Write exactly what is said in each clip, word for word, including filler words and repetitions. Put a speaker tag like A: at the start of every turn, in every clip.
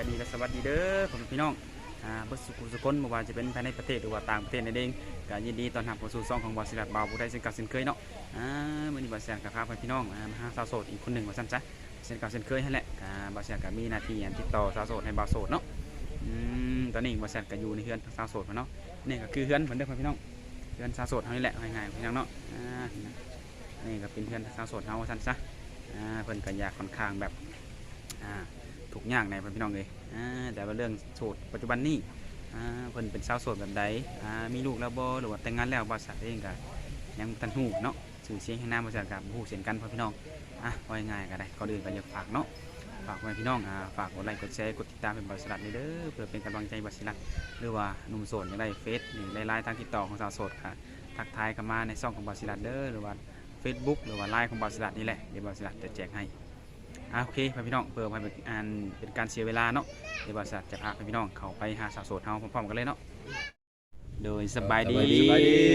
A: ดีและสวัสดีเด้อผมพี่น้องอ่าเบิดสุขุสุคนบ่ว่าจะเป็นภายในประเทศหรือว่าต่างประเทศนั่นเองก็ยินดีต้อนรับเข้าสู่ช่องของบริษัทบ่าวผู้ใดเช่นเก่าเช่นเคยเนาะอ่ามื้อนี้บริษัทก็พาพี่น้องอ่ามาหาสาวโสดอีกคนหนึ่งว่าซั่นซะเช่นเก่าเช่นเคยนั่นแหละอ่าบริษัทก็มีหน้าที่อันติดต่อสาวโสดให้บ่าวโสดเนาะอืมตอนนี้บริษัทก็อยู่ในเฮือนสาวโสดเนาะนี่ก็คือเฮือนเหมือนเดิมพี่น้องเฮือนสาวโสดเฮานี่แหละง่ายๆพี่น้องเนาะอ่านี่ก็เป็นเฮือนสาวโสดเฮาว่าซั่นซะอ่าเพิ่นก็อยากค่อนข้างแบบอ่าทุกอย่างในพี่น้องเลยแต่ว่าเรื่องโสดปัจจุบันนี้เพิ่นเป็นสาวโสดแบบใดมีลูกแล้วบ่หรือว่าแต่งงานแล้วบริษัทเองก็ยังตันหูเนาะสื่อเสียงให้หน้าบริษัทกับหูเสียงกันพ่อพี่น้องอ่ะว่าง่ายๆก็ได้ก่อนอื่นก็อยากฝากเนาะฝากไว้พี่น้องฝากกดไลค์กดแชร์กดติดตามเป็นบริษัทนี้เด้อเพื่อเป็นกำลังใจบริษัทหรือว่าหนุ่มโสดอยากได้เฟซหรือไลน์ทางติดต่อของสาวโสดค่ะทักทายกันมาในช่องของบริษัทเด้อหรือว่า Facebook หรือว่าไลน์ของบริษัทนี่แหละเดี๋ยวบริษัทจะแจกให้โอเคพี่น้องเพื่อให้เป็นเป็นการเสียเวลาเนาะเดี๋ยวบริษัทจะพาพี่น้องเข้าไปหาสาวโสดเฮาพร้อมๆกันเลยเนาะโดยสบายดีสบายดี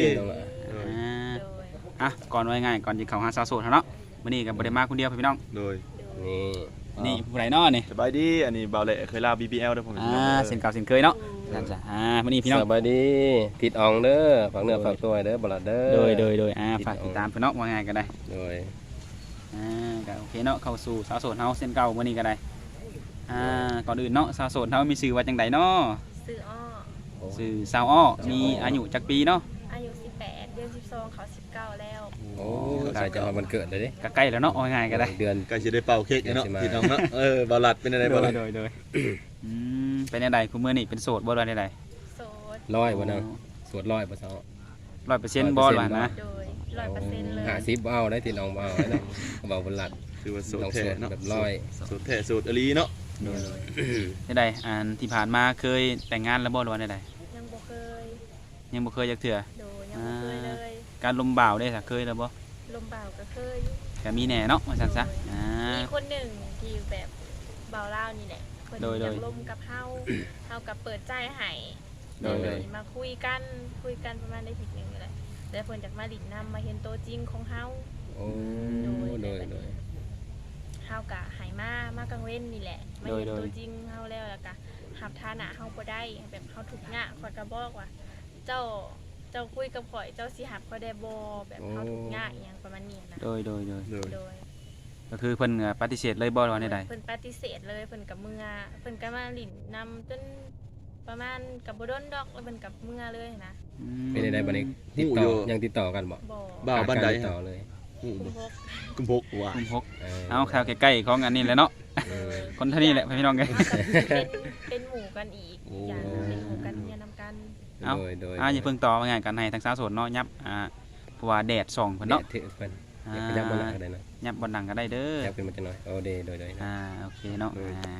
A: อ่ะก่อนไว้ง่ายก่อนจะเข้าหาสาวโสดเนาะวันนี้กับบริมาคนเดียวพี่น้องโดยนี่นี่ผู้ใดเนาะนี่
B: สบายดีอันนี้เบาเละเคยลา บี บี แอล ด้วยผม
A: อ่าเส้นเก่าเส้นเคยเนาะนั่นจ้ะอ่าวันนี้พี่น้อง
C: สบายดีติดอ่องเด้อฝากเนื้อฝากตัวเด้อบลัดเด้อ
A: โดยโดยโดยอ่าฝากติดตามพี่น้องว่าง่ายก็ได้
C: โดย
A: อ่าก็โอเคเนาะเข้าสู่สาวโสดเฮาเส้นเก่าวันนี้ก็ได้อ่าก่อนอื่นเนาะสาวโสดเฮามีชื่อว่าจังไดเนาะ
D: ชื่ออ้อ
A: ชื่อสาวอ้อมีอายุจักปีเนาะ
D: อายุสิบแปดเดือนสิบสองเขาสิบเก้าแล้ว
C: โอ้ใกล้จะวันเกิดเลยดิ
A: ก็ใกล้แล้วเนาะว่าง่ายก็ได้
B: เดือนใกล้จะได้เป่าเค้กเนาะพี่น้องเนาะเออบาลัดเป็นอะไรบาลัด
A: โดยโดยอืมเป็นอะไรคุณมื้อนี้เป็นโสดบ่ได้ใด
D: โสด
C: ร้อยบ่นางสวดร้อยบ่ซอ
A: ร้อยเปอร์เซ็นต์บ่ล่ะนะ
D: โดยร้อยเปอร์เซ็นต์เลย
C: ห้าสิบเอาได้ติดอ่องบ่เอาได้เบาบลัด
B: คือว่าโสดแท้เนาะ
C: แบบร้อย
B: โสดแท้โสดอลีเนาะ
A: ได้ใดอันที่ผ่านมาเคยแต่งงานแล้วบ่หรือว่าได้ใด
D: ยังบ่เคย
A: ยังบ่เคยจักเทื่อ
D: โดยยังบ่เคยเลย
A: การลมบ่าวได้ซะเคยแล้วบ่
D: ลมบ่าวก็เคย
A: ก็มีแน่เนาะว่าซั่นซะอ่า
D: มีคนหนึ่งที่แบบบ่าวลาวนี่แหละเพิ่นอยากลมกับเฮาเฮาก็เปิดใจให้โดยมาคุยกันคุยกันประมาณได้อาทิตย์นึงนี่แหละแล้วเพิ่นจากมาหลินนำมาเห็นตัวจริงของเฮา
C: โอ้โดยโดยโดย
D: เฮากะหายมามากลางเว้นนี่แหละมาเห็นตัวจริงเฮาแล้วแล้วก็หับฐานะเฮาบ่ได้แบบเฮาทุกข์ยากข่อยก็บอกว่าเจ้าเจ้าคุยกับข่อยเจ้าสิหับข่อยได้บ่แบบเฮาทุกข์ยากอีหยังประมาณนี้นะ
A: โดยโดยโดย
D: โดย
A: ก็คือเพิ่นปฏิเสธเลยบ่ว่าได้
D: เพิ่นปฏิเสธเลยเพิ่นกับเมื่อเพิ่นก็มาหลินนำจนประมาณกับบ่ดนดอกแล้วเพิ่นกับเมื่อเลยนะ
C: เป็นได้บัดนี้ติดต่อยังติดต่อกันบ่
B: บ่าวบ้านใด
C: ต่อเลย
B: กุมภกว่ะ
A: กุมภกเอาแถวใกล้ๆของอันนี้แหละเนาะคนเท่านี้แหละพี่น้องไง
D: เป็นเป็นหมู่กันอีกอย่างเป็นหมู่กันเนี่ยนำกัน
A: เอาอ่าอย่าเพิ่งต่อว่าไงกันให้ทั้งสาวโสดเนาะยับอ่าเพราะว่าแดดส่องเพิ่นเนาะ
C: เพิ่นยับบนหลังก็ได้นะ
A: ยับบนหลังก็ได้เด้อ
C: ยับขึ้นมาจังหน่อยโอเดโดยโดย
A: อ่าโอเคเนาะอ่า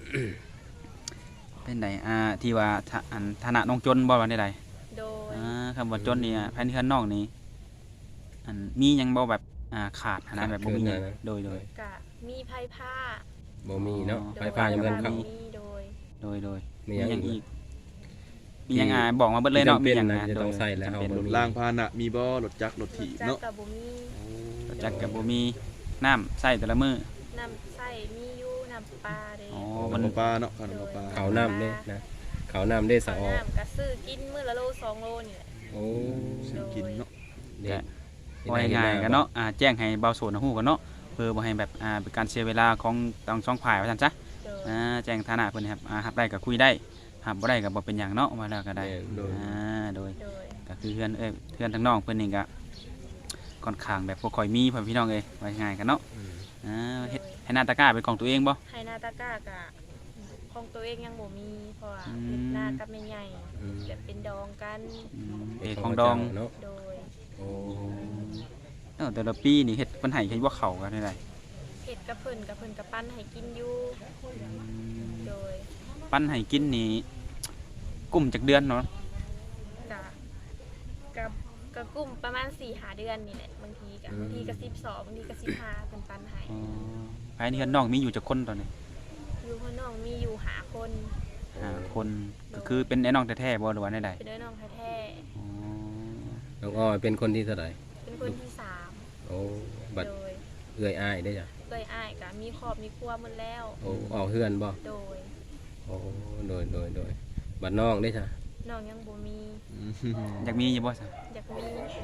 A: เป็นไดอ่าที่ว่าอันฐานะน้องจนบ่ว่าได้ใด
D: โดย
A: อ่าคำว่าจนนี่ภายในเฮือนน้องนี่อันมียังบ่แบบอ่าขาดขนาดแบบบ่มีโดยโดย
D: กะมีไผผ้า
C: บ่มีเนาะไผผ้ายังบ่ทันเข้า
D: โดย
A: โดยโดย
C: มียังอีก
A: มียังอ่าบอกมาเบิดเลยเนาะ
C: มียังจะต้องใส่แล้วเฮา
B: บ่ล่างพาหนะมีบ่รถจักรรถถีบเนาะ
D: จักรก็บ่มี
A: รถจักรก็บ่มีน้ำใส่แต่ละมื้อ
D: น้ำใส่มีอยู่น้ำปลาเด้
B: อ๋อมันปลาเนาะขนมปลา
C: ข้าวน้ำเด้นะข้าวน้ำเด้สะออ
D: น้ำก็ซื้อกินมื้อละโลสองโลนี่แหละ
C: โอ้
B: ซื้อกินเนาะ
A: เนี่ยง่ายๆกันเนาะอ่าแจ้งให้เบาโสดฮู้กันเนาะเพื่อบ่ให้แบบอ่าเป็นการเสียเวลาของทั้งสองฝ่ายว่าซั่นซะอ่าแจ้งฐานะเพิ่นครับอ่ารับได้ก็คุยได้รับบ่ได้ก็บ่เป็นหยังเนาะว่าแล้วก็ได้อ่าโดยก็คือเพื่อนเอ้ยเพื่อนทั้งน้องเพิ่นนี่ก็ค่อนข้างแบบบ่ค่อยมีพี่น้องเอ้ยว่าง่ายกันเนาะอ่าเฮ็ดให้หน้าตะกร้าเป็นของตัวเองบ่
D: ให้หน้าตะกร้าก็ของตัวเองยังบ่มีเพราะว่าเฮ็ดหน้ากับแม่ใหญ่แบบเป็นดองกัน
A: เอ้ของดอง
C: เนาะ
D: โดย
C: โอ้
A: เออแต่ละปีนี่เฮ็ดเพิ่นให้เฮ็ดว่าเขากันได้
D: เฮ็ดกับเพิ่นกับเพิ่นกับปั้นให้กินอยู่โดย
A: ปั้นให้กินนี่กุ้มจักเดือนเนาะ
D: กะกับกับกุ้มประมาณ สี่ห้า เดือนนี่แหละบางทีก็บางทีก็สิบสองบางทีก็สิบห้าเพิ่นปั้นให้
A: อ๋อภายในเฮือนน้องมีอยู่จักคนตอนนี้
D: อยู่เฮือนน้องมีอยู่ห้าคน
A: ห้าคนก็คือเป็นไอ้น้องแท้ๆบ่หรือว่าใด
D: ๆเป็นไอ้น้องแท้
A: ๆอ๋อ
C: น้องอ้อยเป็นคนที่เท่าใด
D: เป็นคนที่สาม
C: โอ้บัดเอื้อยอ้ายได้จ้ะ
D: เอื้อยอ้ายก็มีครอบมีครัวหมดแล้ว
C: โอ้ออกเฮือนบ่
D: โดย
C: โโอ้โดยโดยโดยบัดน้องได้จ้ะ
D: น้องยังบ่มี
A: อยากมีอยู่บ่ซะ
D: อยากมี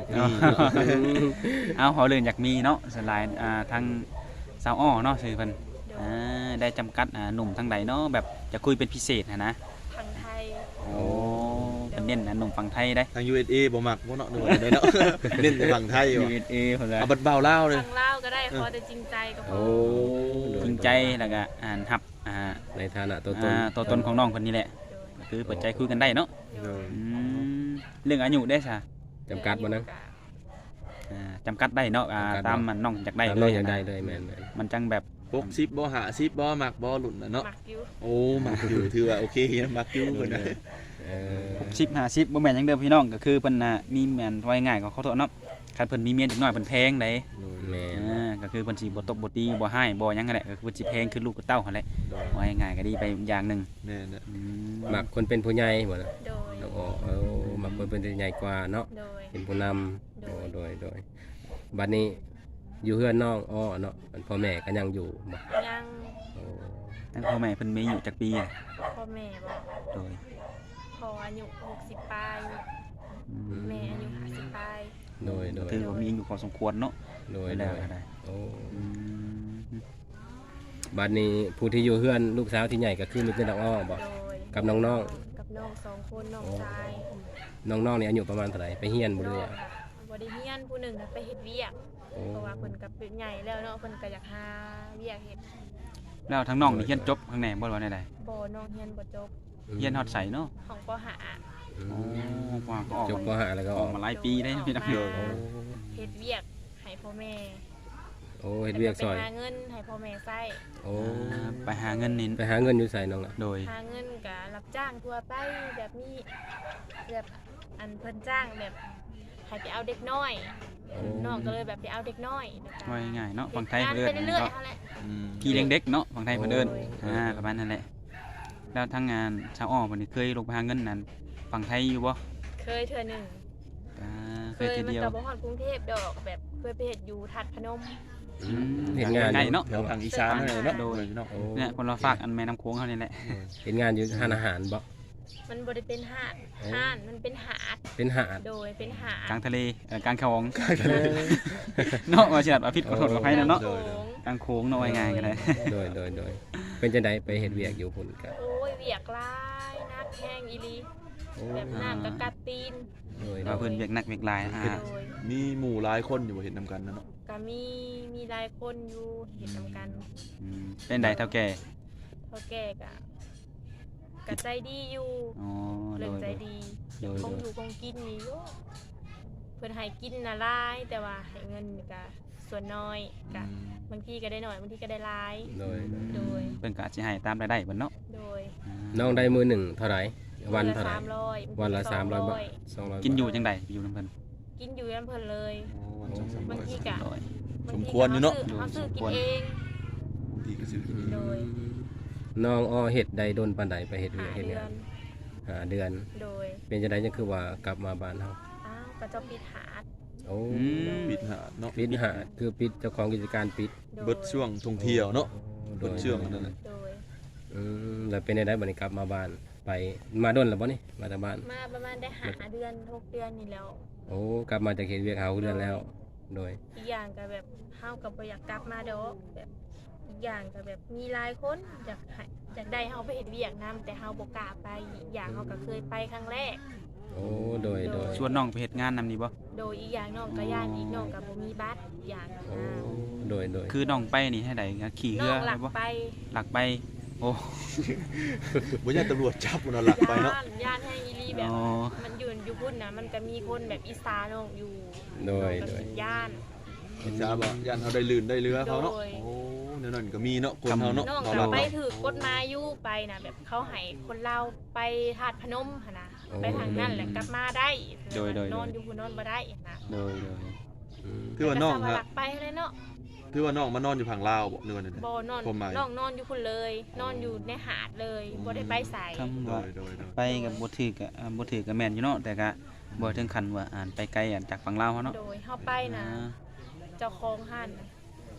A: เอาเขาเรื่องอยากมีเนาะสลายอ่าทางสาวอ้อเนาะชื่อเพิ่น
D: โด
A: อ่าย ได้จำกัดอ่าหนุ่มทางใดเนาะแบบจะคุยเป็นพิเศษนะนะ
D: ทางไทย
A: โอ้เป็นเน้นนะหนุ่มฝั่งไทยได้
B: ทาง ยู เอส เอ บ่มักบ่เนาะนึกว่าได้เนาะ เน้นแต่ฝั่งไทย
A: ยู
B: ว่ะ
A: เอสเอเพิ่นว่า
B: เอาบัดเบาลาวเลย
D: ทางลาวก็ได้ขอแต่จริงใจก็พอ
C: โอ้โดย
A: จริงใจแล้วก็อ่านรับอ่า
C: ในฐานะตัวตน
A: อ่าตัวตนของน้องคนนี้แหละ
D: โดย
A: ก็คือเปิดใจคุยกันได้เนาะ
D: โดย
A: อืมเรื่องอายุได้ซะ
C: จำกัดบ่นะ
A: อ่าจำกัดได้เนาะอ่า
C: จำกัด
A: ตามมันน้องอยากได้
C: ตาม
A: เล
C: น้อย งอยากได้เลยแม่น
A: มันจังแบบ
B: หกสิบบ่ห้าสิบบ่มักบ่หลุ่นน่ะเนาะ
D: มักอยู่
B: โอ้มักอยู่ถือว่าโอเคนะมักอยู่เพิ่นน่ะ
C: ๆเออ
A: หกสิบห้าสิบบ่แม่นหยังเดิมพี่น้องก็คือเพิ่นน่ะมีแม่นไว้ง่ายก็ขอโทษเนาะคันเพิ่นมีเมียเด็กน้อยเพิ่นแพงได้
C: แม่น
A: อ่าก็คือเพิ่นสิบ่ตบบ่ตีบ่ให้บ่หยังนั่นแหละก็คือเพิ่นสิแพงคือลูกกับเต้าหั่นแหละ
B: โดย
A: ไว้ง่ายก็ดีไปอย่างหนึง
B: แม่นน่ะ
A: อืม
C: มักคนเป็นผู้ใหญ่บ่นะ
D: โดย
C: น้องอ้อเออมักคนเป็นผู้ใหญ่กว่าเนาะ
D: โดย
C: เป็นผู้นำ
D: โด
C: โอ้
D: ย
C: โดยโดยบัดนี้อยู่เฮือนน้องอ้อเนาะพ่อแม่ก็ยังอยู่บ่
D: ยัง
C: โอ้
A: ทั้งพ่อแม่เพิ่นมีอายุจักปีอะ
D: พ่อแม่บอก
A: โดย
D: พออายุหกสิบปลาย
A: อืม
D: แม่อายุห้าสิบปลาย
C: โดยโดย
A: ถือว่ามีอายุพอสมควรเนาะ
C: โดย
A: ไป
C: โด
A: แล้ว
C: ย
A: ก็ได้
C: โอ้
A: อืม
C: บัดนี้ผู้ที่อยู่เฮือนลูกสาวที่ใหญ่ก็คือมีแต่น้องอ้อบ่
D: โดย
C: กับน้อง
D: กับน้องสองคนน้องชาย
C: น้องๆนี่อายุประมาณเท่าไหร่ไปเฮียนบ่
D: น้
C: เล
D: อง
C: ย
D: อะบ่ได้เฮียนผู้หนึ่งน่ะไปเฮ็ดเวียก
C: โอ้
D: เพราะว่าเพิ่นก็เป็นใหญ่แล้วเนาะเพิ่นก็อยากหาเวียกเฮ็ด
A: แล้วทั้งน้องนี่เรียนจบข้างในบ่ว่าได้
D: บ่น้องเฮียนบ่จบ
A: เรียนฮอดใสเนาะ
D: ของปห้า
C: อื
A: โอ้
C: ม
A: ว่าก็ออก
C: จบป
A: มา
C: ห้าแล้วก็
A: อ
C: อ
A: อ
C: อก ก
A: มาหลายปีได้พี่น้อง
D: โดย
C: โอ้
D: เฮ็ดเวียกให้พ่อแม่
C: โอ้เฮ็ดเวียกซอย
D: ไปหาเงินให้พ่อแม่ใช้
C: โอ้
A: อ่าไปหาเงินนี่
C: ไปหาเงินอยู่ใส่น้องล่ะ
A: โดย
D: หาเงินก็รับจ้างทั่วไปแบบนี้แบบอันเพิ่นจ้างแบบให้ไปเอาเด็กน้อยน้องก็เลยแบบไปเอาเด็กน้อย
A: ว่าง่ายๆเนาะฝั่งไทย
D: งาน
A: เพิ่น
D: ไป
A: เอิ้น
D: เรื่อย
A: เนาะ
D: ๆเท่านั้น
B: อืม
A: พี่เลี้ยงเด็กเนาะฝั่งไทยเพิ่นเอิ้น
D: โอ้ย
A: อ่าประมาณนั้นแหละแล้วทั้งงานชาวอ้อเพิ่นนี่เคยลงไปหาเงินนั้นฝั่งไทยอยู่บ่
D: เคยเทื่อหนึง
A: อ่าเค
D: เค
A: ย
D: ย
A: ที
D: มัน
A: เดียว
D: ก็บ่ฮอดกรุงเทพดอกแบบเคยไปเฮ็ดอยู่ทัดพนม
C: อืมเห็นงาน
A: ใกล้
C: อยู่
A: เนาะ
B: แถวทางอีสานนั่นแหละเนาะ
A: โดย
B: เนาะ
C: โอ้
A: เนี่ยคนเราฝากอันแม่น้ำโค้งเขานี่แหละ
C: เห็นงานอยู่ร้านอาหารบ่
D: มันบ่ได้เป็นหาด
C: โอ้
D: ห้านมันเป็นหาด
C: เป็นหาด
D: โดยเป็นหาด
A: กลางทะเลเอ่อกลางคลองเนาะว่าสิลัดว่าผิดขอโทษขออภัยนะเนาะ
D: โค้ง
A: กลางโค้งเนาะว่าง่ายๆกันเลย
C: โดยโดยโดยเป็นจังไดไปเฮ็ดเวียกอยู่พุ่นก็
D: โอ้ยเวียกหลายนักแห้งอีหลี
C: โอ้
D: แบบน้ำก็กัดตีน
C: โดยโด
A: ว่าย เพิ่นเวียกหนักเวียกหลายอ่า
D: โดย
B: มีหมู่หลายคนอยู่บ่เห็นนำกันนะเนาะ
D: ก็มีมีหลายคนอยู่เห็นนำกัน
A: อืมเป็นใดเท่าแก่
D: เท่าแก่กะกะใจดีอยู่
A: อ๋อโด
D: เรื่อง
A: ย
D: ใจดี
C: โดย
D: คง
C: โด
D: อย ยู่คงกินนี่อยู่เพิ่นให้กินน่ะหลายแต่ว่าให้เงินนี่กะส่วนน้อยกะ
B: อืม
D: บางทีก็ได้น้อยบางทีก็ได้หลาย
C: โดย
D: โดย
A: เพิ่นก็อาจสิให้ตามรายได้เพิ่นเนาะ
D: โดย
A: อ่า
C: น้องได้มือหนึ่งเท่าไหร่วันเท่าไหร่
D: สามร้อย
C: วันละ
D: บงที
C: สามร้อย
D: สง
C: บาทสองร้อย
A: กินอยู่จังไดอยู่นำเพิ่น
D: กินอยู่ยันเพิ่นเลย
B: โอ้วันสองสามร้อย
D: บางทีกะ
A: ร้อย
D: บาง
B: สม
D: ที
B: ควรอยู่เนาะ
D: ก็เขาซื้อเขาซื้อกินเอง
B: บางทีก็สิ
D: โดย
C: น้องอ้อเฮ็ดใดโดนปานใดไปเฮ็ดเวี
D: หาย
C: กเฮ็ด
D: เดื
C: งา
D: อน น
C: หาเดือน
D: โดย
C: เป็นจังไดจังคือว่ากลับมาบ้านเฮา
D: อ้าวก็จะปิดหาด
C: โอ้
A: อืม
B: ปิดหาดเนาะ
C: ปิดหาดคือปิดเจ้าของกิจการปิด
D: โดย
B: เบิดช่วงท่องเที่ยวเนาะ
C: โด
B: เบิด
C: ย
B: ช่วงนั่นแหละ
D: โดย
C: อืมแล้วเป็นได้บัดนี้กลับมาบ้านไปมาโดนแล้วบ่นี่มาจากบ้าน
D: มาประมาณได้หาเดือนหกเดือนนี่แล้ว
C: โอ้กลับมาจากเฮ็ดเวียกเฮาเดือนแล้ว โดย
D: อีกอย่างก็แบบเฮาก็บ่อยากกลับมาดอกแบบอีกอย่างก็แบบมีหลายคนอยากให้อยากได้เฮาไปเฮ็ดเวียกนํแต่เฮาบ่กล้าไปอีกอย่างเฮาก็เคยไปครั้งแรก
C: โอ้โดยโดย
A: ชวนน้องไปเฮ็ดงานนำนี่บ่
D: โดยอีกอย่างน้องก็ย่านอีกน้องก็บ่มีบัตรอีกอย่าง
C: โอ้
D: นะ
C: โดยโดย
A: คือน้องไปนี่ให้ใดขี่
D: น้
A: เรือ
D: องหลัก
A: บ่
D: ไป
A: หลักไปโอ้
B: บ่อยากตำรวจจับบ่เนาะหลักไปเนาะ
D: ย่านย่านให้อีหลีแบบ
A: อ๋อ
D: มันอยู่อยู่พุ่นน่ะมันก็มีคนแบบอีสานน้องอยู่
C: โดย
D: น้อง
C: โด
D: ก็
C: ย
D: สิย่าน
B: อิจฉาบ่ย่านเฮาได้ลื่นได้เรือเขาเนาะ
D: โดย
B: โอ้แนวนั้นก็มีเนาะคนเฮาเนาะ
D: น้อง
B: เฮา
D: ก็
B: เรา
D: ไปถือกฎหมายอยู่ไปนะแบบเขาให้คนเราไปธาตุพนมหั่นนะไปทางนั้นแหละกลับมาได้
A: โดยโดย
D: นอนอยู่พุ่นนอนบ่ได้นะ
A: โดยโดย
C: อืม
B: คือว่าน้อง
D: แต่ก็ส
B: ฮะ
D: ลักไปเลยเนาะ
B: คือว่าน้องมานอนอยู่ผังลาวบ่เนื้อนั่น
D: บ่นอน
B: ความหมาย
D: น้องนอนอยู่พุ่นเลย นอนอยู่ในหาดเลยบ่ได้ไปไส
A: คำ
B: โด
A: ว่าย
B: โดยโดย
A: ไปกับบ่ถือก็อ่าบ่ถือก็แม่นอยู่เนาะแต่ก็บ่ถึงขั้นว่าอ่านไปไกลอ่านจากฝั่งลาวเฮาเนาะ
D: โดยเฮาไปนะ
A: อ่า
D: เจ้าของห้านน่ะก็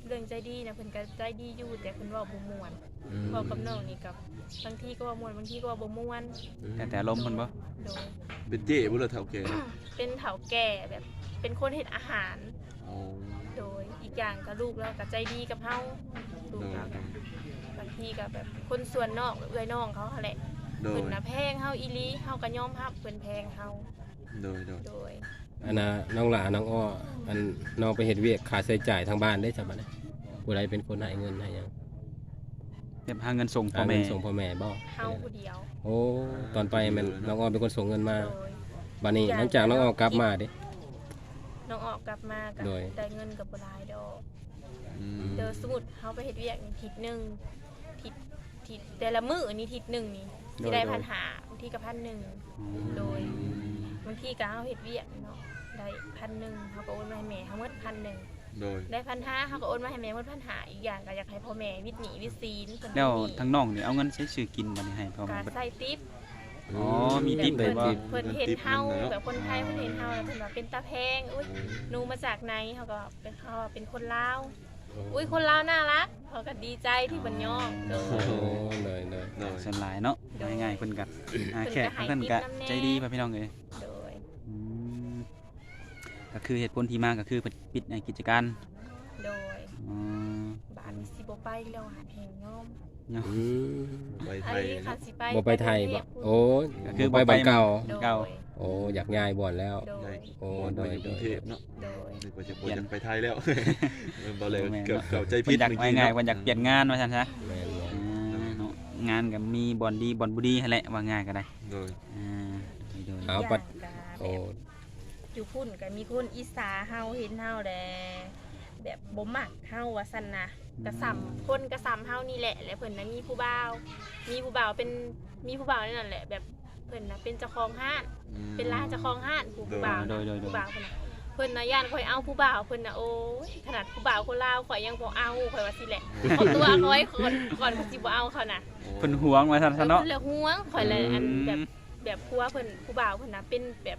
D: เรื่องใจดีนะเพิ่นก็ใจดีอยู่แต่เพิ่นเว้าบ่ม่วน
C: อืม
D: เว้ากับน้องนี่กับบางทีก็เว่าม่วนบางทีก็เว่าบ่ม่วน
A: แต่แต่ลมณ์เพิ่นบ่
D: โดย
B: เป็นเจ๊บ่ล่ะเฒ่าแก่
D: เป็นเฒ่าแก่แบบเป็นคนเฮ็ดอาหาร
B: อ๋อ
D: โดยอีกอย่างก็ลูกแล้วก็ใจดีกับเฮาลูก
B: โดย
D: แล้วก็บางทีก็แบบคนส่วนนอกเอื้อยน้องเขาหั่นแหละ
B: โดย
D: เพิ่นน่ะแพงเฮาอีหลีเฮาก็ยอมรับเพิ่นแพงเฮา
B: โดยโดย
D: โดย
C: อันน่ะน้องหลาน้องอ้ออันน้องไปเฮ็ดเวียกค่าใช้จ่ายทางบ้านได้จังบัดนี้ผู้ใดเป็นคนให้เงินให้หยัง
A: เก็บหาเงินส่งพ่อ
C: หา
A: แม่
C: เงินส่งพ่อแม่บ่
D: เฮาผู้เดียว
C: โอ้ตอนไปแมันน้องอ้อเป็นคนส่งเงินมา
D: โดย
C: บัดนี้หลังจากน้องอ้อกลับมาเด้
D: น้องออกกลับมาก็
C: โดย
D: ได้เงินก็บ่หลายดอก
B: อืม
D: เดี๋ยวสมมุติเฮาไปเฮ็ดเวียกนี่ทิศหนึงทิศทิศแต่ละมื้อนี่ทิศหนึงนี่สิได้พันหาบางทีก็พันหนึ่งโดย บางทีก็เฮาเฮ็ดเวียกเนาะได้พันหนึ่งเขาก็โอนมาให้แม่เขาหมดพันหนึ่ง
B: โดย
D: ได้พันห้าเขาก็โอนมาให้แม่หมดพันห้าอีกอย่างก็อยากให้พ่อแม่วิทย์หนีวิทย์ซีนเพิ่น
A: แล้ว
D: มี
A: ทั้งน้องนี่เอาเงินใช้ซื้อกินบัดนี้ให้พ่อ
D: ก็
A: แม่เบิด
D: ใส่ติ๊บ
A: อ๋อมีติ๊บ
C: ได้
A: เลยบ่
C: ติ๊บ
D: เพิ่นเห็นเฮาแบบคนไทยเพิ่นเห็นเฮาแล้วเพิ่นว่าเป็นตาแพงอุ้ยหนูมาจากไหนเขาก็เป็นเขาว่าเป็นคนลาวอุ้ยคนลาวน่ารักเขาก็ดีใจที่เพิ่นยอมโด
C: โอ้
D: ย
C: เลยเลย
B: โดย
A: ส่วนหลายเนาะ
D: โดย
A: ง่ายๆเพิ่นก็อ่า
D: เพิ่นก็
A: แค่
D: ให้
A: เพิ่นก็
D: ติ๊บนำแน่
A: ใจดีพ่อพี่น้องเอ้ย
D: โดย
A: อืมก็คือเหตุผลที่มาก็คือเพิ่นปิดในกิจการ
D: โดย
A: อ๋อ
D: บ้านนี้สิบ่ไปแล้วหาเพลงยอม
A: เนาะ
C: อืม
B: ไปไท
D: ไอ้
B: ย
D: ค่ะ
B: เนาะ
D: สิไป
C: บ่ไปไทยบ่โอ้
A: ก็คือ
C: ไป
A: บ่ไป
C: บ้านเก่า
D: โดย
A: เก่า
C: โอ้อยากย้ายบ่อนแล้ว
D: โดย
C: โอ้
B: โด
C: โด
B: ย
C: ย
B: ก
C: โด
B: รุง
C: ย
B: เทพเนาะ
D: โดย
B: นึกว่าจะ
A: เปลี่ยน
B: จะไปไทยแล้วเออบ่เลย
A: แม่น
B: เกือบ
A: เนาะ
B: เกือบใจ
A: เพิ่
B: ผิ
A: น
B: ด
A: อยาก
B: เมื่อ
A: ไว้
B: กี้
A: ง่าย
B: เนาะ
A: เพิ่นอยากเปลี่ยนงานว่าซั่นซะ
C: แม่นบ่
A: อ่าเนาะงานก็มีบ่อนดีบ่อนบ่ดีหั่นแหละว่าง่ายก็ได้
B: โดย
A: อ่าโดย
C: เอาปัด
D: ย่าง
C: โอ้
D: ก็แบบอยู่พุ่นก็มีคนอีสาเฮาเห็นเฮาแลแบบบ่มักเฮาว่าซั่นนะกระซำคนกระซำเฮานี่แหละและเพิ่นน่ะมีผู้บ่าวมีผู้บ่าวเป็นมีผู้บ่าวนั่นแหละแบบเพิ่นน่ะเป็นเจ้าของห้าน
B: อืม
D: เป็นร้านเจ้าของห้านผู้ผู้บ่าว
A: โดยโดยโดย
D: ผู้บ่าวเพิ่นน่ะเพิ่นน่ะย่านข่อยเอาผู้บ่าวเพิ่นน่ะโอ้ยขนาดผู้บ่าวคนลาวข่อยยังบ่เอาข่อยว่าสิแหละเอาตัวข่อยก่อนก่อนเขาสิบ่เอาเขาน่ะ
A: เพิ่นหวงว่าซั่น
D: เอ
A: ซะ
D: อ
A: เนาะ
D: เพิ่นเลยห่วงข่อยเลยอันแบบ
A: อืม
D: แบบผัวเพิ่นผู้บ่าวเพิ่นน่ะเป็นแบบ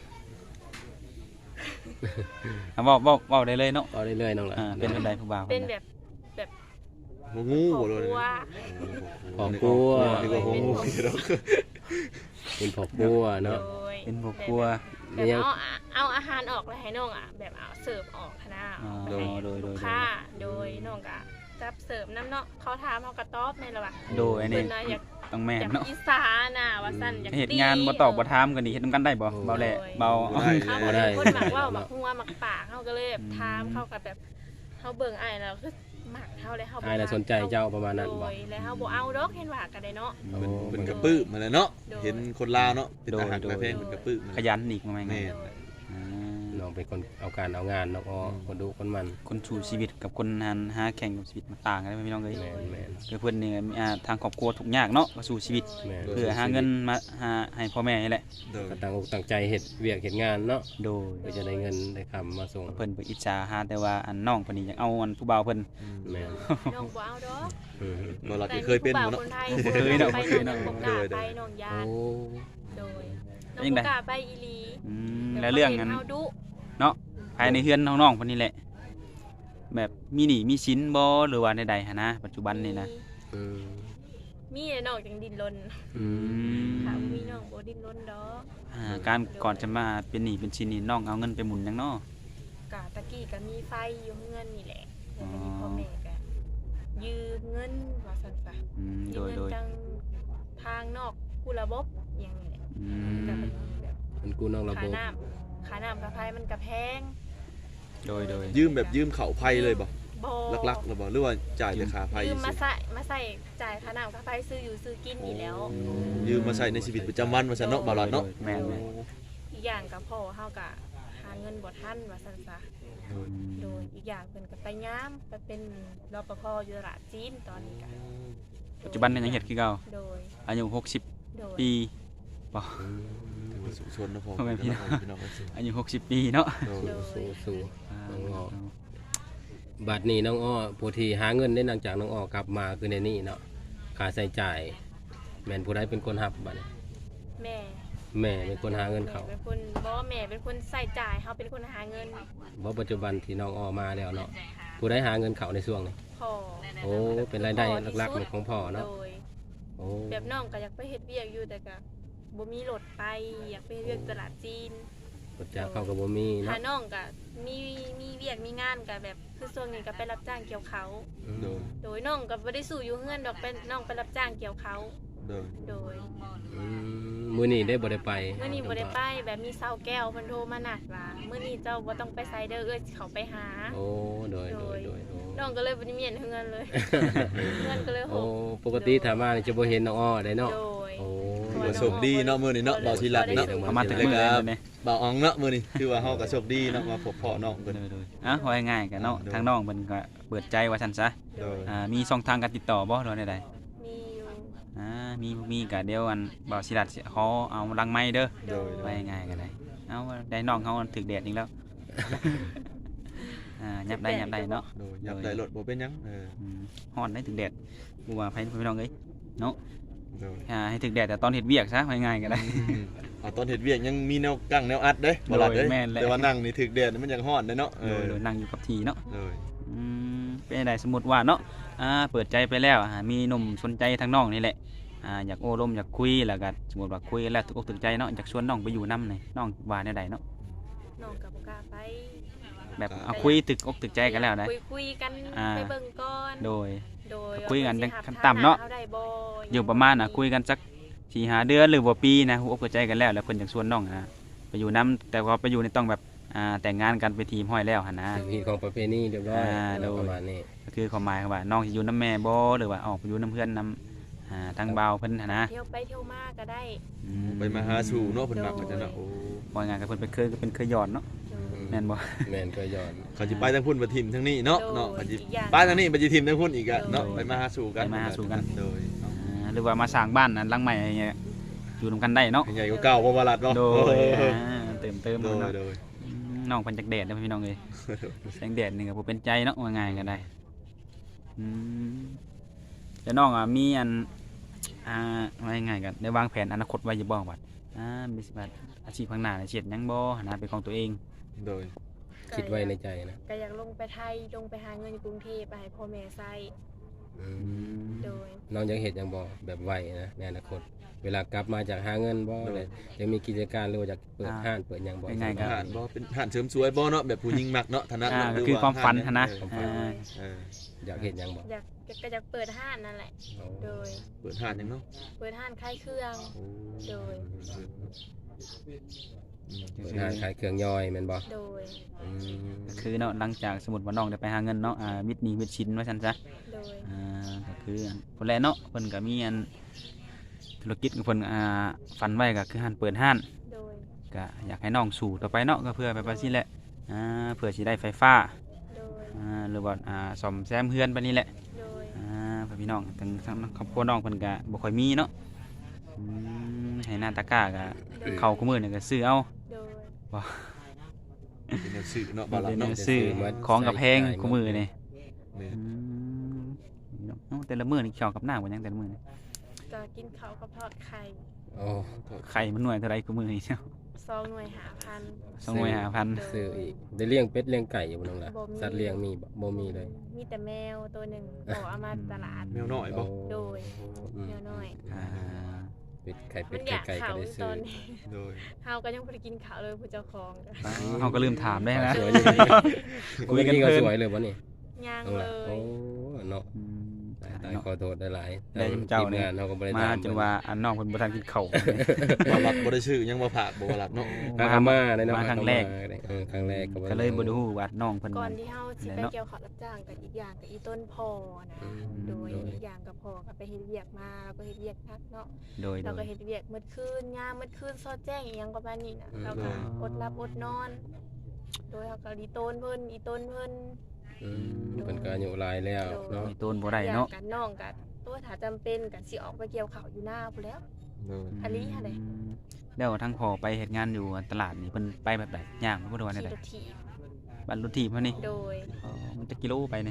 A: อ่ะเว้าเว้าเว้าได้เลยเนาะ
C: เอาเรื่อยๆน้องหล่ะ
A: อ่าเป็นแบบใดผู้บ่าว
D: เป็น
A: พิ่
D: แบ
A: น่ะ
D: บแบบ
B: หัวงู
D: ครอบ
B: บ่เลย
D: ครัว
C: ครอบครัว
B: นี่ก็หัวงูเนาะ
C: เป็นครอบครัว
D: โด
C: เนาะ
D: ย
A: เป็นพวกครัว
D: แบบเอาเอาอาหารออกแล้วให้น้องอ่ะแบบเอาเสิร์ฟออกคณะ
A: อ๋อ
D: ให้
A: โดยโดย
D: ลูกค้าโดยน้องก็จับเสิร์ฟน้ำเนาะเขาถามเขาก็ตอบในระหว่าง
A: โดยอันนี้
D: เพิ่นน่ะอยาก
A: ต้องแม่
D: อยาน ก
A: เนาะ
D: อีสานน่ะว่าซั่นอยาก
A: เฮ็ดงานบ่ตอบบ่ถามกันนี่เฮ็ดนํกันได้บ่เบาแหละเบา
B: บ่ได้
D: เขา
C: บ่
D: ก็
C: ได้
D: เป็นคนมักเว่ามักหัวมักปากเขาก็เลยแบบ
A: อืม
D: ถามเขาก็แบบเขาเบิ่งอ้ายแล้วคือมักเฮาเลยเฮาบ่
C: อายน่ะสนใจเจ้าประมาณนั้นบ่
D: โดยแล้วเฮาบ่เอาดอกเห็นว่าก็ได้เนาะ
C: โอ้
B: เป็นเป็นกระปื้มมาเลยเนาะ
D: โดย
B: เห็นคนลาวเนาะเป็นทหาร
A: โดย
B: กระเพงเป็นกระปื้มมา
A: ขยันอีกมาไง
B: แม่
D: โดย
A: อ่า
C: น้องเป็นคนเอาการเอางานน้องอ้อคนดูคนมัน
A: คนสู่ชีวิตกับคนหันหาแข่งกับชีวิตมันต่างกันเด้อพี่น้องเอ้ย
C: แม่นแม่น
A: คือเพิ่นนี่มีอ่าทางครอบครัวทุกข์ยากเนาะก็สู่ชีวิต
C: แม่น
A: เพื่อหาเงินมาหาให้พ่อแม่นี่แหละ
B: โดย
C: ก็ตั้งอกตั้งใจเฮ็ดเวียกเฮ็ดงานเนาะ
A: โดย
C: เพื่อจะได้เงินได้คำมาส่ง
A: เพิ่นไปอิจฉาหาแต่ว่าอันน้องเพิ่นนี่อยากเอาอันผู้บ่าวเพิ่น
B: อืม
C: แม่น
D: น้องบ่เอาดอก
C: อืม
B: บ่ล่ะเคยเป็นบ่เนาะ
D: แต่มีผู้บ่าวคนไทย
A: เคยเนาะ
D: ไป
A: เคย
D: น้
A: เนาะ
D: องบ่กล้าไปน้องยา
C: โอ้
D: นโดยน้อง
A: ยังไง
D: บ่กล้าไปอีหลี
A: อืมแล้วเรื่องอัน
D: เฮาดุ
A: เนาะภายในเฮือนน้องๆเพิ่นนี่แหละ แบบมีหนี้มีสินบ่หรือว่าใดๆหันนะปัจจุบันนี่นะ
C: อืม
D: มีแต่น้องจังดิ้นรน
C: อืม
D: ถ้าบ่มีน้องบ่ดิ้นรนดอก
A: อ่าการก่อนจะมาเป็นหนี้เป็นสินนี่น้องเอาเงินไปหมุนหยังเนาะ
D: กะตะกี้ก็มีไฟอยู่เงินนี่แหละแล้วก็มีพ่อแม่ก็ยืมเงินว่าซั่นซะ
A: อืม
D: ยื
A: โด
D: ม
A: ย
D: เงิน
A: โดย
D: จังทางนอกผู้ระบบอย่างนี้แหละ
A: อื
D: ก็
A: ม
D: เป็นแบบ
C: มันกู้นอกระบ
D: ค่า
C: บ
D: น้ำค่าน้ำค่าไฟมันก็แพง
A: โดยโดย
B: ยืมแบบยืมเข่าไพ่เลยบ่
D: บ่
B: ลักๆหรือบ่หรือว่าจ่ายแต่ค่าไพ่
D: ยืมมา
B: สิ
D: ใส่มาใส่จ่ายค่าน้ำค่าไฟซื้ออยู่ซื้อกินนี่แล้ว
B: ยืมมาใช้ในชีวิตประจำวันว่าซั่นเนาะบ่ล่ะเนาะ
A: แม่นแม่น
D: อีกอย่างก็พ่อเฮาก็หาเงินบ่ทันว่าซั่นซะ
A: อืม
D: โดยอีกอย่างเพิ่นก็ไปยามไปเป็นรปภอยู่ตลาดจีนตอนนี้ก็
A: ปัจจุบันนี่ยังเฮ็ดคือเก่า
D: โดย
A: อายุหกสิบ
D: โดย
A: ปี
C: อืม
B: ถือว่าสุขชนนะพ่อ
A: พ่อแม่พี่น้อง
B: พี่น้องกันสิ
A: อายุหกสิบปีเนาะ
B: โดย
D: โดย
C: สู้สู้
A: อ่า
C: น้องอ้อ บัดนี้น้องอ้อผู้ที่หาเงินได้หลังจากน้องอ้อกลับมาคือในนี่เนาะค่าใช้จ่ายแม่นผู้ใดเป็นคนรับบัดนี้
D: แม่
C: แม่เป็นคนหาเงินเขา
D: แม่เป็นคนบ่ว่าแม่เป็นคนใส่จ่ายเฮาเป็นคนหาเงิน
C: บ่ปัจจุบันที่น้องออมาแล้วเนาะผู้ได้หาเงินเขาในช่วงนี้
D: พอ
C: โอ้เป็นรายได้หลักๆเลยของพ่อเนาะ
D: โดย
C: โอ้
D: แบบน้องก็อยากไปเฮ็ดเวียกอยู่แต่ก็บ่มีรถไปอยากไปเฮ็ดเวียกตลาดจีน
C: ปัจจัยเขาก็บ่มีเนาะ
D: ถ้าน้องก็มีมีเวียกมีงานก็แบบคือช่วงนี้ก็ไปรับจ้างเกี่ยวเขา
B: โดย
D: โดยน้องก็บ่ได้สู้อยู่เฮือนดอกเป็นน้องไปรับจ้างเกี่ยวเขา
B: โดย
D: โดย
C: อืมมื้อนี้ได้บ่ได้ไป
D: เมื่อนี้บ่ได้ไปแบบมีเซาแก้วเพิ่นโทรมานัดว่ามื้อนี้เจ้าบ่ต้องไปไสเด้อเอ้ยเขาไปหา
C: โอ้โดยโดยโดยโอ้
D: น้องก็เลยบ่ได้มีเฮือนเลย เฮือนก็เลยโห
C: โอ้ปกติถ้ามานี่จะบ่เห็นน้องอ้อได้เนาะ
D: โดย
C: โอ้
B: ถือว่าโชคดีเนาะมื้อนี้เนาะเบาทีหลัดเนาะ
A: ประมาณถึงมื้อเลยเนี่ย
B: เบาอองเนาะมื้อนี้คือว่าเฮาก็โชคดีเนาะมาพบพ่อน้องเพิ่น
A: โดยๆอ่ะว่าง่ายๆกันเนาะทางน้องเพิ่นก็เปิดใจว่าซั่นซะ
B: โดย
A: อ่ามีช่องทางการติดต่อบ่หรือว่าใด
D: มีอยู่
A: ๆอ่ามีมีก็เดี๋ยวอันบ่าวศิรัตสิขอเอาลังไม้เด้อ
B: โดย
A: ไว้ง่ายๆกันได้เอาได้น้องเขาถึกแดดอีกแล้ว อ่ายับได้ยับได้เนาะ
B: โดยยับได้รถบ่เป็นหยังเออ
A: อืมฮ้อนได้ถึกแดดกูว่าไผพี่น้องเอ้ยเนาะ
B: โดย
A: อ่าให้ถึกแดดแต่ตอนเฮ็ดเวียกซะไว้ง่ายๆกันได้
B: อืมเอาตอนเฮ็ดเวียกยังมีแนวกั้งแนวอัดเด้บ่ล่ะเด้
A: โดยแม่นแหละ
B: แต่ว่านั่งนี่ถึกแดดนี่มันยังฮ้อนเด้เนาะเอ
A: โด
B: อย
A: โดยนั่งอยู่กับที่เนาะ
B: โดย
A: อืมเป็นไดสมมุติว่าเนาะอ่าเปิดใจไปแล้วอ่ามีหนุ่มสนใจทางน้องนี่แหละอ่าอยากโอ้ลมอยากคุยแล้วก็สมมุติว่าคุยแล้วถูกอกถูกใจเนาะอยากชวนน้องไปอยู่นำนี่น้องว่าแนวใดเนาะ
D: น้องก็บ่กล้าไป
A: แบบเอาคุยตึกอกตึกใจกันแล้วได้
D: คุยคุยกัน
A: อ่า
D: ไปเบิ่งก่อน
A: โดย
D: โดย
A: คุยกัน
D: ว่าเพิ่สิ
A: ขั้น
D: รับ
A: ต่ำเนาะ
D: ฐได้บ่
A: อยู่ประมาณน่ะคุยกันสักสี่ห้าเดือนหรือว่าปีนะหัวอกหัวใจกันแล้วแล้วเพิ่นอยากชวนน้องนะไปอยู่นํแต่ว่าไปอยู่ในต้องแบบอ่าแต่งงานกันไปนทีมห้อยแล้วหั่นนะ
C: ถึงที่ของประเพณีเรียบร้อย
A: อ่าโดย
C: ประมาณนี้
A: ก็คือความหมายว่าน้องสิอยู่นํแม่บ่หรือว่าออกไปอยู่นํเพื่อนนํอ่าทางบ่าวเพิ่นหั่นนะ
D: เที่ยวไปเที่ยวมาก็ได้
A: อืม
B: ไปมาหาสู่เนาะเพิ่นมักกันจ้ะเนาะโอ้
A: ว่าไงานกับเพิ่นเป็นเคยเป็นเคยหยอดเนาะ
D: โดย
A: แม่นบ่
C: แม่นก็ย้อน
B: เขาสิไปทางพุ่นบ่ทิ่มทางนี้เนาะ
D: โดย
B: เนาะเขาสิ
D: อีกอย่าง
B: ไปทางนี้บ่สิทิ่มทางพุ่นอีกอะเนาะ
A: โดย
B: ไปมาหาสู่กัน
A: ไปมาหาสู่กัน
B: โดยเนาะ
A: อ่าหรือว่ามาสร้างบ้านนั้นหลังใหม่อะไรเงี้ยอยู่นํกันได้เนาะ
B: ใหญ่กว่าเก่าบ่ว่าลัดเนาะ
A: โดย
B: เออ
A: อ่าเติมเติม
B: โดย
A: เนาะ
B: โดย
A: อืมน้องเพิ่นจักแดดเด้อพี่น้องเอ้ยแสงแดดนี่ก็บ่เป็นใจเนาะว่าง่ายก็ได้อืมแต่น้องอ่ะมีอันอ่าว่าง่ายๆกันได้วางแผนอนาคตไว้อยู่บ่บัดอ่ามีสิบัดอาชีพข้างหน้าเนี่ยเฮ็ดหยังบ่หาเป็นของตัวเอง
B: โดย
C: คิดไว้ในใจนะ
D: ก็อยากลงไปไทยลงไปหาเงินอยู่กรุงเทพไปให้พ่อแม่ใช้
C: อืม
D: โดย
C: น้องยังเฮ็ดหยังบ่แบบไวนะในอนาคต เวลากลับมาจากหาเงินบ่เลยยังมีกิจการหรือว่าอยากเปิดห้างเปิดหยังบ่
A: ง่ายๆก็
B: หานบ่เป็นหานเสริมสวยบ่เนาะแบบผู้หญิงมักเนาะฐานะ
A: อ่า
B: เนาะ
A: ก็คือความฝันหั้นนะ
B: เออ
A: อ่า
B: เออ
C: อยากเฮ็ดหยังบ่
D: อยากก็อยากเปิดห้านนั่นแหละ
C: เอา
D: โดย
B: เปิดหานหยังเนาะ
D: เปิดห้านขายเครื่อง
B: โอ้
D: โดย
C: เปิดห้างขายเครื่องย่อยแม่นบ่
D: โดย
C: อืม
A: ก็คือเนาะหลังจากสมมุติว่าน้องได้ไปหาเงินเนาะอ่ามิดหนี้มิดชินว่าซั่นซะ
D: โดย
A: อ่าก็คืออันเพิ่นแลเนาะเพิ่นก็มีอันธุรกิจของเพิ่นอ่าฝันไว้ก็คือห้านเปิดห้าน
D: โดย
A: ก็อยากให้น้องสู่ต่อไปเนาะก็เพื่อไปว่าซี่แหละอ่าเพื่อสิได้ไฟฟ้า
D: โดย
A: อ่าหรือว่าอ่าซ่อมแซมเฮือนไปนี่แหละ
D: โดย
A: อ่าเพื่อพี่น้องทั้งทั้งครอบครัวน้องเพิ่นก็บ่ค่อยมีเนาะอืมให้หน้าตะกร้าก็เข้าคุมื้อนี่ก็ซื้อเอา
D: โดย
B: เป็นแนวสื่อเนาะบ่ล่ะ
A: เป็น
B: เนาะ
A: ซื้อของกับแพงคุมื้อนี่
B: แม่น
A: อืมเอ้าแต่ละมื้อนี่เกี่ยวกับหน้าบ่ยังแต่ละมื้อนี่
D: ก็กินข้าวกับทอดไข่
C: โอ้
A: ไข่มันหน่วยเท่าไรคุมื้อนี่เนาะ
D: ซองหน่วยหาพัน
A: สองหน่วยห้าพัน
C: ซื้ออีกได้เลี้ยงเป็ดเลี้ยงไก่อยู่บ่น้องล่ะ
D: บ่มี
C: สัตว์เลี้ยงมีบ่บ่มีเลย
D: มีแต่แมวตัวหนึ่งขอเอามาตลาด
B: แมวน้อยบ่
D: โดย
C: อืม
D: แมวน้อย
A: อ่า
C: เป็ดไข่เป็
D: มั
C: ด
D: นอยาก
C: ไก่
D: เขา
C: ก็ได้
D: ต
C: ซื้อ
D: อนนี้
B: โดย
D: เฮาก็ยังบ่ได้กินข้าวเลยผู้เจ้าของก็
A: เขาก็ลืมถามได้นะ
C: สวยอยู่
A: คุ
C: คุ
A: ย
C: ย
A: กั
C: กัน น
A: เพลิ
C: ก็
A: น
C: สวยเลยบ่นี่
D: ย่าง
C: น้อง
D: เล
C: ล่ะโอ้
D: ย
C: เนาะ
A: อืม
C: ตายตาย
A: เนาะ
C: ขอโทษได้หลาย
A: ได้เจ้า
C: ทีม
A: เนี่ย
C: งานเฮาก็บ่ได้
A: มา
C: ตาม
A: จนว่าอันน้องเพิ่นบ่ทันกินข้าว
B: บ่หลับบ่ได้ชื่อยังบ่ผากบ่ว่าหลับเนาะ
C: มาหามาได้เนาะ
A: มาครั้งแรก
C: เออครั้งแรกก็
A: ก็เลยบ่ได้ฮู้ว่าน้องเพิ่น
D: ก่อนที่เฮาสิไป
A: เนาะ
D: เกี่ยวข้าวรับจ้างกับอีกอย่างกับอีต้นพอนะ
C: อืม
D: โดย
C: โดย
D: อีกอย่างกับพอก็ไปเฮ็ดเวียกมาแล้วก็เฮ็ดเวียกพักเนาะ
A: โดยโด
D: เรา
A: ย
D: ก็เฮ็ดเวียกมื้อคืนยามมื้อคืนซอดแจ้งอีหยังประมาณนี้น่ะ
C: อืม
D: เราก็อดหลับอดนอน โดยเฮาก็อีต้นเพิ่นอีต้นเพิ่น
C: อืมเพิ่นก็อายุหลายแล้วเนาะ
A: มีต้นบ่ได้เนาะ
D: อยกกันน้องกันตัวถ้าจำเป็นก็สิออกไปเกี่ยวข้าวอยู่หน้าพุ่นแหล้ว
B: โดย
D: อันนี้ค่ะไหน
A: มแล้วทั้งพ่อไปเฮ็ดงานอยู่ตลาดนี่เพิ่นไปแบบใดย่างบ่ได้ว่า
D: ขี่
A: ได้
D: รถถีบ
A: บัดรถถีบเฮานี่
D: โดย
A: อ๋อมันจะกิโลไปนี่
B: โ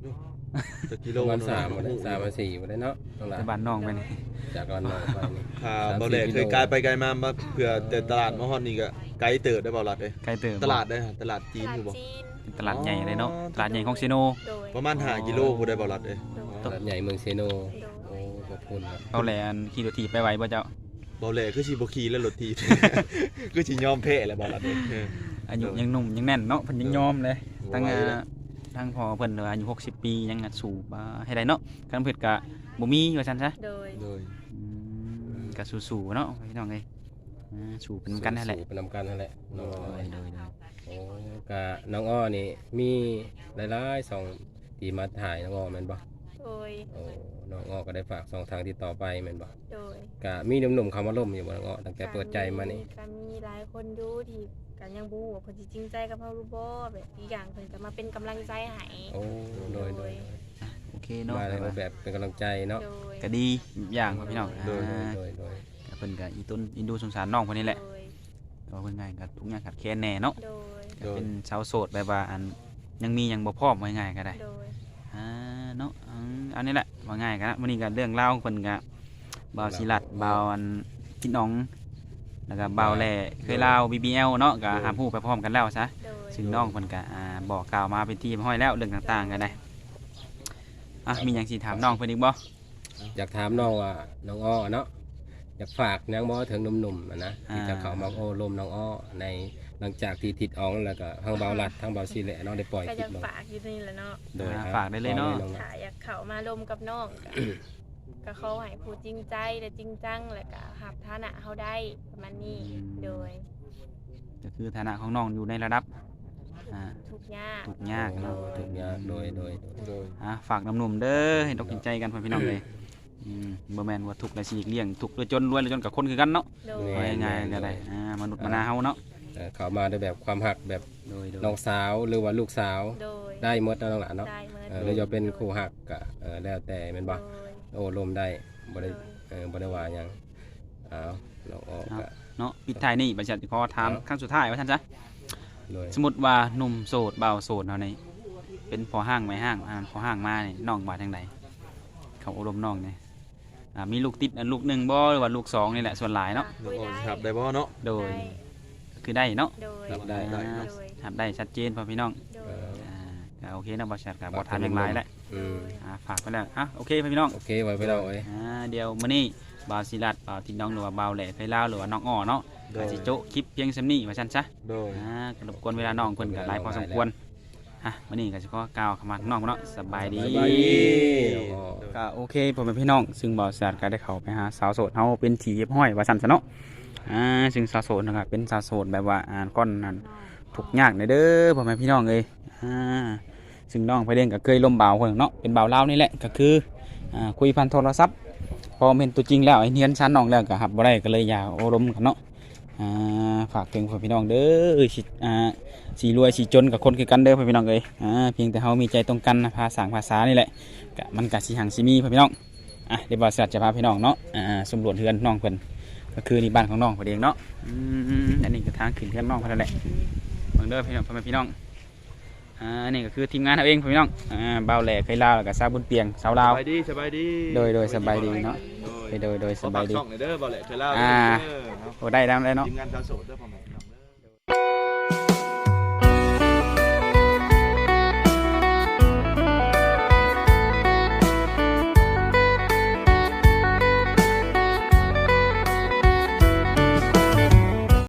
B: จักกิโล
C: ประมาณ
B: เนาะ
C: สามบ่ได้สามมาสี่บ่ได้เนาะน้องหลา
A: แต่บ้านน้องไปนี่
C: จากบ้านน้องไปนี่
B: ค่ะบ่แลเคยกลายไปไกลมามาเพื่อแต่ตลาดมาฮอดนี่ก็ไกลเติบได้บ่หลัดเด้
A: ไกลเติบ
B: ตลาดได้ฮะตลาดจีน
D: ตลา
B: คื
D: ด
B: อบ่
D: จีน
A: ตลาดใหญ่เลยเนาะตลาดใหญ่ของซิโน
D: โดย
B: ประมาณห้ากิโลผู้ได้บ่หลัดเด้
C: ตลาดใหญ่เมืองเซโน
D: โด
C: โอ้
D: ย
C: ขอบคุณครับ
A: เอาแหลอันขี่รถถีบไปไวบ่เจ้า
B: บ่แลคือสิบ่ขี่แล้วรถถีบ คือสิยอมแพ้แหละบ่หลัดเด้เออ
A: อายุยังหนุ่มยังแน่นเนาะเพิ่นยังยอมเลย ตั้ง
B: ไหว
A: อ่า
B: เลย
A: ทั้งพอเพิ่นเหลืออายุหกสิบปียังอ่ะสูบอ่าให้ได้เนาะคันเพิ่นก็บ่มีว่าซั่นซะ
D: โดย
B: โดย
A: อืมก็สู้ๆเนาะพี่น้องเอ้ยอ่าสู้เป็นกันนั่นแหละ
C: สู่เป็นนำกันนั่นแหละน้องอ้อ
A: โดยโดยโดย
C: โอ้กะน้องอ้อนี่มีหลายๆสองที่มาถ่ายน้องอ้อแม่นบ่
D: โดย
C: โอ้น้องอ้อก็ได้ฝากสองทางติดต่อไปแม่นบ่
D: โดย
C: กะมีหนุ่มๆคำว่าล่มอยู่บ่น้องอ้อตั้งแต่เปิดใจมานี่
D: ก็มีหลายคนอยู่ที่กันยังบ่ฮู้ว่าเพิ่นสิจริงใจกับเฮาหรือบ่แบบอีกอย่างเพิ่นก็มาเป็นกำลังใจให้
C: โอ้โดยโดย
A: โอเคเนาะ
C: มาในรูปแบบเป็นกำลังใจเนาะ
D: โดย
A: ก็ดีอย่างครับพี่น้อง
C: โดย
A: อ่า
C: โดยโดย
A: ก็เพิ่นก็อีต้นอินดูสงสารน้องเพิ่นนี่แหละ
D: โดย
A: ก็เพิ่นง่ายก็ทุกอย่างขาดแคลนแน่เนาะ
D: โดย
A: ก็เป็นชาวโสดแบบว่าอันยังมียังบ่พร้อมว่าง่ายก็ได้
D: โดย
A: อ่าเนาะอืมอันนี้แหละว่าง่ายกันนะวันนี้ก็เรื่องเล่าวของเพิ่นก็บ่าวศิลัดบ่าวอันพี่น้องแล้วก็บ่าวแหล่เคยเล่า บี บี แอล เนาะก็หาผู้ไปพร้อมกันแล้วซะ
D: โดย
A: ซึ่งน้องเพิ่นก็อ่าบอกกล่าวมาเป็นที่ห้อยแล้วเรื่องต่างๆกันได้อ่ะมีหยังสิถามน้องเพิ่นอีกบ่
C: อยากถามน้องว่าน้องอ้อเนาะอยากฝากหยังบ่ถึงหนุ่มๆอะนะที่จะเข้ามาโอ้ลมน้องอ้อในหลังจากที่ติดอ๋องแล้วก็ทั้งเบาหลัดทั้งเบาซีแหละเนาะได้ปล่อย
D: ก็
C: คลิ
D: ยั
C: ป
D: ง
C: ลง
D: ฝากอยู่นี่แหละเนาะ
C: โดย
A: อ่า
C: ครับ
A: ฝากได้เลยเนาะ
C: น้อง
D: ถ้าอยากเข้ามาลมกับน้องก็ ก็เขาให้ผู้จริงใจและจริงจังแล้วก็หับฐานะเฮาได้ประมาณนี้โดย
A: ก็คือฐานะของน้องอยู่ในระดับอ่า
D: ทุกข์ยาก
A: ทุกข์ยากเนาะ
C: ถูกยากโดยโดย
B: โดย
A: อ่ะฝากน้ำหนุ่มเด้อให้ตกกินใจกันพ่อพี่น้องเลยอืมบ่แม่นว่าทุกข์และสิเลี้ยงทุกข์หรือจนรวยหรือจนกับคนคือกันเนาะ
D: โดย
A: ว่าง่ายๆก็ได้อ่ามนุษย์มนาเฮาเนาะ
C: เอ่อเข้ามาด้วยแบบความหักแบบ
A: โดยโดย
C: น้องสาวหรือว่าลูกสาว
D: โดย
C: ได้หมดเนาะน้องหลานเนาะ
D: ได้เมื่อ
C: เออหรือจะเป็นคู่หักก็เออแล้วแต่แม่นบ่
D: โดย
C: โอ้ลมได้บ่ได้เออบ่ได้ว่าหยังอ้าวน้องอ้อก็
A: เนาะปิดท้ายนี่บัดนี้ขอถามครั้งสุดท้ายว่าท่านจ๊ะ
C: โดย
A: สมมุติว่าหนุ่มโสดบ่าวโสดเฮานี่เป็นพอห้างไม่ห้างอ่าพอห้างมานี่น้องว่าจังไดเขาอบรมน้องนี่อ่ามีลูกติดอันลูกหนึ่งบ่หรือว่าลูกสองนี่แหละส่วนหลายเนาะ
B: น้องอ้อสิครับได้บ่เนาะ
A: โดย
D: ได้
A: คือได้เนาะ
D: โดย
C: รับได้
B: ได้
A: อ่า
D: โดย
A: ครับได้ชัดเจนพ่อพี่น้อง
D: โด
C: เอย อ
A: อ่าก็โอเคนะบ่ชัดก็บ่ถามอย่างไรแหละ
C: อืม
A: อ่าฝากไปแล้วอ่ะโอเคพ่อพี่น้อง
C: โอเคไว้ไปแล้วเอ้ย
A: อ่าเดี๋ยวมื้อนี้บ่าวศิลัดบ่าวทินน้องหรือว่าบ่าวแหล่ไผลาวหรือว่าน้องอ้อเนาะ
B: โด
A: ก็
B: ย
A: สิโจะคลิปเพียงซำนี้ว่าซั่นซะ
B: โดย
A: อ่าก็รบกวนเวลาน้องเพิ่นก็หลายพอสมควรฮะมื้อนี้ก็สิขอกล่าวคำว่าน้องเนาะสบายดี
C: สบายดีน้องอ้อ
A: ก็โอเคพ่อแม่พี่น้องซึ่งบ่าวศิลัดก็ได้เข้าไปหาสาวโสดเฮาเป็นที่เรียบร้อยว่าซั่นซะเนาะอ่าซึ่งสาวโสดนะครับเป็นสาวโสดแบบว่าอ่านก้อนนั้นทุกข์ยากในเด้อพ่อแม่พี่น้องเอ้ยอ่าซึ่งน้องไปเล่นก็เคยล่มบ่าวคนหนึ่งเนาะเป็นบ่าวลาวนี่แหละก็คืออ่าคุยผ่านโทรศัพท์พอเห็นตัวจริงแล้วไอ้เนียนชั้นน้องแล้วก็หับบ่ได้ก็เลยอยากอบรมกันเนาะอ่าฝากถึงพ่อพี่น้องเด้อสิอ่าสีรวยสีจนกับคนคือกันเด้อพ่อพี่น้องเอ้ยอ่าเพียงแต่เฮามีใจตรงกันนะภาษาภาษานี่แหละก็มันก็สิหังสิมีพ่อพี่น้องอ่ะเดี๋ยวบ่าวสิจะพาพี่น้องเนาะอ่าสำรวจเฮือนน้องเพิ่นก็คือนี่บ้านของน้องเพิ่นเองเนาะอืมอันนี้ก็ทางขึ้นเฮือนน้องเพิ่นนั่นแหละเบิ่งเด้อพี่น้องพ่อแม่พี่น้องอ่านี่ก็คือทีมงานเอาเองพ่อพี่น้องอ่าบ่าวแหล่เคยลาวแล้วก็สาวบุญเปียงสาวลาว
B: สบายดีสบายดี
A: โดยโดยสบายดีเนาะ โดยโดยสบายดี
B: ขอฝกช่องหน่อยเด้อบ่แหละเคยเล่า
A: อ่า
B: เด้อเนาะ
A: โอ้ได้แล้วได้เนาะ
B: ทีมงานชาวโสดเด้อพ่อแม่